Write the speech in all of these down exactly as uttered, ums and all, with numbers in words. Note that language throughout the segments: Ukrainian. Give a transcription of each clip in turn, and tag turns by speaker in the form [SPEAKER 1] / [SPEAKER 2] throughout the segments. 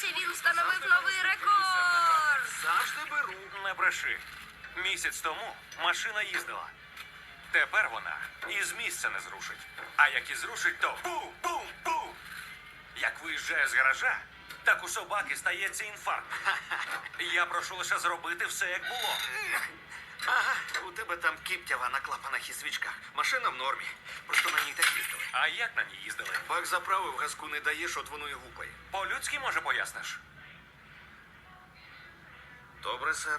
[SPEAKER 1] Дивіться, він встановив новий рекорд.
[SPEAKER 2] Завжди беру.
[SPEAKER 3] Не бреши. Місяць тому машина їздила. Тепер вона із місця не зрушить. А як і зрушить, то бум-бум-бум! Як виїжджає з гаража, так у собаки стається інфаркт. Я прошу лише зробити все, як було.
[SPEAKER 2] Ага, у тебе там кіптява на клапанах і свічках. Машина в нормі. Просто на ній так їздили.
[SPEAKER 3] А як на ній їздили?
[SPEAKER 2] Бак заправив, газку не даєш, от воно і гупає.
[SPEAKER 3] По-людськи, може, поясниш?
[SPEAKER 2] Добре, сер.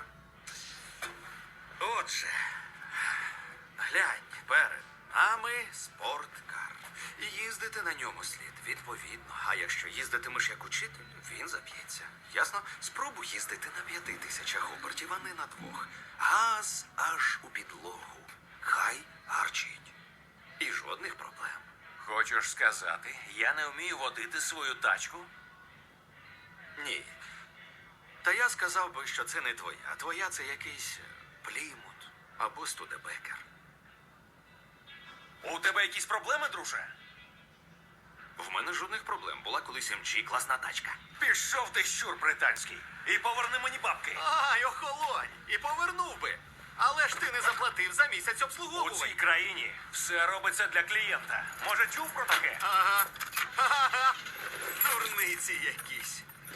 [SPEAKER 2] Отже, глянь, перед нами спорткар. І їздити на ньому слід відповідно. А якщо їздитимеш як учитель, він заб'ється. Ясно? Спробуй їздити на п'яти тисячах обертів, а не на двох. Газ аж у підлогу. Хай гарчить. І жодних проблем.
[SPEAKER 3] Хочеш сказати, я не вмію водити свою тачку?
[SPEAKER 2] Ні. Та я сказав би, що це не твоя. Твоя це якийсь Плімут або Студебекер.
[SPEAKER 3] У тебе якісь проблеми, друже?
[SPEAKER 2] В мене жодних проблем. Була колись ем джі, класна тачка.
[SPEAKER 3] Пішов ти, щур британський, і поверни мені бабки.
[SPEAKER 2] Ай, охолонь! І повернув би. Але ж ти не заплатив за місяць
[SPEAKER 3] У цій
[SPEAKER 2] обслуговування.
[SPEAKER 3] країні все робиться для клієнта. Може, чув про таке?
[SPEAKER 2] Ага. Ага. Дурниці якісь.